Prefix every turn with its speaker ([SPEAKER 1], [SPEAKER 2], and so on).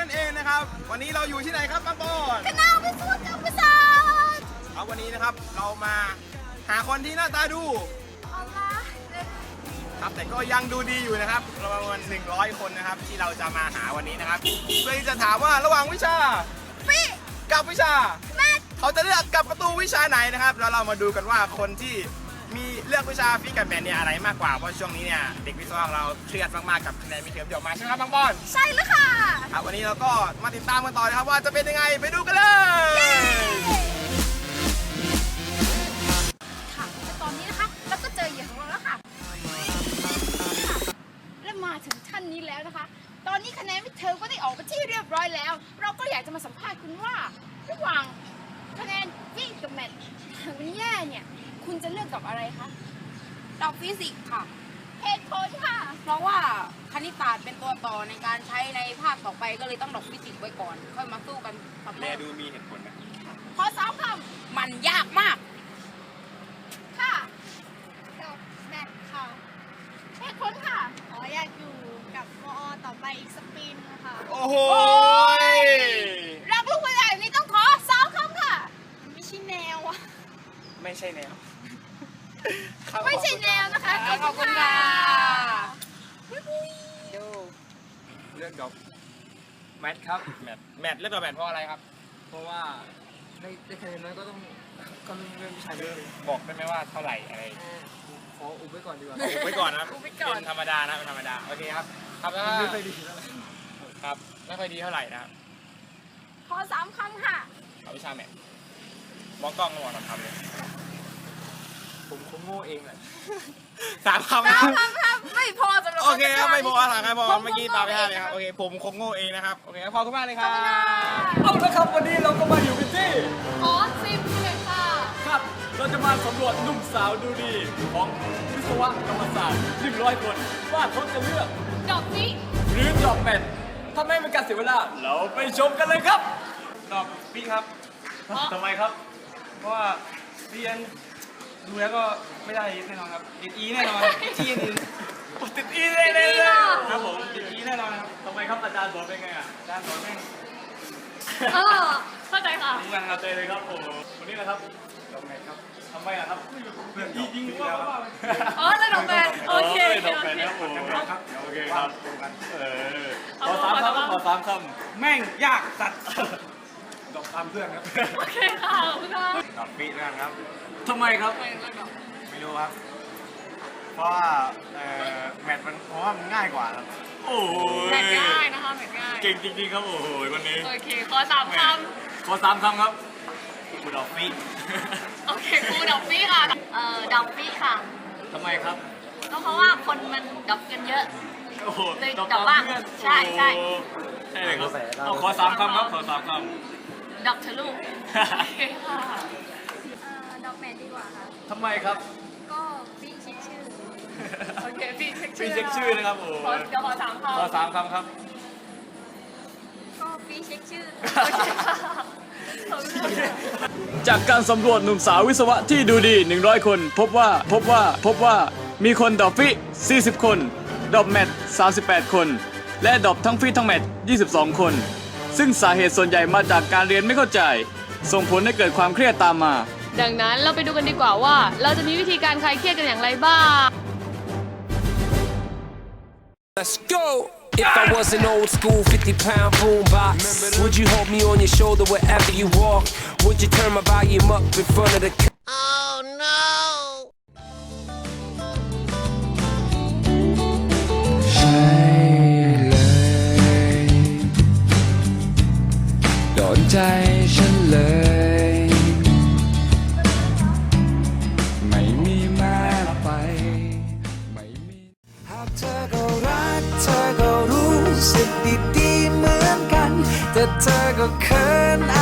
[SPEAKER 1] นั่นเองนะครับวันนี้เราอยู่ที่ไหนครับปังปอน
[SPEAKER 2] คณะวิศวกรรมศาสตร์
[SPEAKER 1] เอาวันนี้นะครับเรามาหาคนที่หน้าตาดูครับแต่ก็ยังดูดีอยู่นะครับประมาณ100 คนนะครับที่เราจะมาหาวันนี้นะครับเพื่อที่จะถามว่าระหว่างวิชา
[SPEAKER 2] ฟิ
[SPEAKER 1] กับวิชา
[SPEAKER 2] แมท
[SPEAKER 1] เขาจะเลือกกับประตูวิชาไหนนะครับแล้วเรามาดูกันว่าคนที่มีเลือกวิชาฟิกับแมทเนี่ยอะไรมากกว่าเพราะช่วงนี้เนี่ยเด็กวิศวะเราเครียดมากๆกับคะแนนมิดเทอมเดี๋ยวมาใช่ไหมครับปังปอน
[SPEAKER 2] ใช่แล้วค่ะ
[SPEAKER 1] ครับวันนี้เราก็มาติดตามกันต่อนะครับว่าจะเป็นยังไงไปดูกันเลย
[SPEAKER 2] ค่ะแต่ตอนนี้นะคะเราก็เจอเหยื่อของเราแล้วค่ะและมาถึงท่านนี้แล้วนะคะตอนนี้คะแนนมิดเทอมก็ได้ออกไปที่เรียบร้อยแล้วเราก็อยากจะมาสัมภาษณ์คุณว่าระหว่างคะแนนฟิกับแมททางแย่เนี่ยคุณจะเลือกกับอะไรคะ
[SPEAKER 3] ดอกฟิสิกส์ค่ะ
[SPEAKER 2] เหตุผลค่ะ
[SPEAKER 3] เพราะว่าคณิตศาสตร์เป็นตัวต่อในการใช้ในภาคต่อไปก็เลยต้องดอกฟิสิกส์ไว้ก่อนค่อยมาสู้กันกับ
[SPEAKER 1] แม่ดูมีเหตุผลนะ
[SPEAKER 2] ขอซ้อมค
[SPEAKER 3] ำมันยากมาก
[SPEAKER 2] ค่ะดอกแมทค่ะเหตุผลค่ะ
[SPEAKER 4] อยากอยู่กับมอต่อไปอีกสปีนค่ะ
[SPEAKER 1] โอ้โห
[SPEAKER 2] รักลูกผู้ใหญ่นี่ต้องขอซ้อมคำค่ะ
[SPEAKER 4] ไม่ใช่แนวอะ
[SPEAKER 1] ไม่ใช่แนว
[SPEAKER 2] ไม่ใช่แนวนะคะ
[SPEAKER 3] ขอบคุณค่ะ
[SPEAKER 1] ดูเลือกดอกแมทครับแมทเลือกดอกแมทเพราะอะไรครับ
[SPEAKER 5] เพราะว่าได้คะแนนน้อยก็ต้องเรื่องวิชาเยอะ
[SPEAKER 1] บอกได้ไหมว่าเท่าไหร่อะไร
[SPEAKER 5] ขออุบไว้ก่อนดีกว่า
[SPEAKER 1] อุบไว้ก่อนนะเป็นธรรมดานะเป็นธรรมดาโอเคครับครับแล้ว
[SPEAKER 5] ไม่ค่อยดี
[SPEAKER 1] ครับไม่ค่อยดีเท่าไหร่นะครับ
[SPEAKER 2] ขอ3 คำค่ะ
[SPEAKER 1] เอาวิชาแมทมองกล้องก็มองทำเลย
[SPEAKER 5] ผมคงโง่เองแหละ
[SPEAKER 1] 3 คำ
[SPEAKER 2] ครับไม่พอสำหรับ
[SPEAKER 1] โอเคครับไม่พอ3 คำพอเมื่อกี้ปาไป5เลยครับโอเคผมคงโง่เองนะครับโอเคขอบคุณมากเลยครับ
[SPEAKER 5] เอาละครับวันนี้เราก็มาอยู่กันที่
[SPEAKER 2] ขอ10เลยค่ะ
[SPEAKER 5] ครับเราจะมาสำรวจหนุ่มสาวดูดีของวิศวกรรมศาสตร์100 คนว่าเขาจะเลือก
[SPEAKER 2] ดอกฟิ
[SPEAKER 5] หรือดอกแมทถ้าไม่เป็นการเสียเวลาเราไปชมกันเลยครับ
[SPEAKER 1] ดอกฟิครับทำไมครับเพราะว่าเรียนดูแล้วก็ไม่ได้แน่นอนครับติดอีแน่นอนที่อื่นติดอีแน่เลยครับผมติดอีแน่นอนครับ
[SPEAKER 5] ทำไมครับอาจารย์สอนเป็นไงอ่ะ
[SPEAKER 1] อาจารย์สอนแม่ง
[SPEAKER 2] เข้าใจค่ะ
[SPEAKER 5] ทำงานเตะเลยครับโอ้วันนี้นะครับดอกแมทครับทำไมอ่ะครับ
[SPEAKER 1] เพื่อนยิงว่า
[SPEAKER 2] แล้วดอกแมทโอเค
[SPEAKER 5] ดอกแมทนะครับโอเคครับขอ3 คำขอ3 คำ
[SPEAKER 1] แม่งยากสัตว์
[SPEAKER 5] ดอกตามเพื่อนครับ
[SPEAKER 2] โอเคค่ะขอบคุณค่ะ
[SPEAKER 1] ดอกปีนะครับ
[SPEAKER 5] ทำไมครับ
[SPEAKER 1] ไม่รู้ครับเพราะว่าแมทมันเพราะว่ามันง่ายกว่าครับ
[SPEAKER 5] โอ้ย
[SPEAKER 2] แมทง่ายนะคะแมทง่าย
[SPEAKER 5] เก่งจริงๆครับโอ้โหวันนี้
[SPEAKER 2] โอเคขอ3 ค
[SPEAKER 5] ำขอ3 คำครับกูดอกปี
[SPEAKER 2] โอเคกูดอกปีค่ะดอกปีค่ะ
[SPEAKER 5] ทำไมครับ
[SPEAKER 2] ก็เพราะว่าคนมันดอกกันเยอะ
[SPEAKER 5] โอ้โห
[SPEAKER 2] เลยดอกบ้างใช่
[SPEAKER 5] ใช่เลยครับขอ3 คำครับขอ3 ค
[SPEAKER 2] ำดอกทะลุโอเคค่ะดอกแมทดีกว่าค่ะ
[SPEAKER 5] ทำไมครับ
[SPEAKER 2] ก็พี่เช็คชื่อโอเคพี่เช็ค
[SPEAKER 5] ชื่อนะครับโอ้
[SPEAKER 2] เดี๋ยวขอ3 คำ
[SPEAKER 5] ขอ3 คำครับ
[SPEAKER 2] ก็พี่เช็คชื่อ
[SPEAKER 5] จากการสำรวจหนุ่มสาววิศวะที่ดูดี100 คนพบว่ามีคนดอกฟิ40 คนดอกแมท38 คนและดอกทั้งฟิทั้งแมท22 คนซึ่งสาเหตุส่วนใหญ่มาจากการเรียนไม่เข้าใจส่งผลให้เกิดความเครียดตามมา
[SPEAKER 6] ดังนั้นเราไปดูกันดีกว่าว่าเราจะมีวิธีการคลายเครียดกันอย่างไรบ้าง
[SPEAKER 7] Let's go If I was an old school 50-pound boombox Would you hold me on your shoulder wherever you walk Would you turn my volume up in front of the Oh noใช่เลยโดนใจฉันเลยไม่มีแม้ไปไม่มีหากเธอก็รักเธอก็รู้สึกดีๆเหมือนกันแต่เธอก็เขิน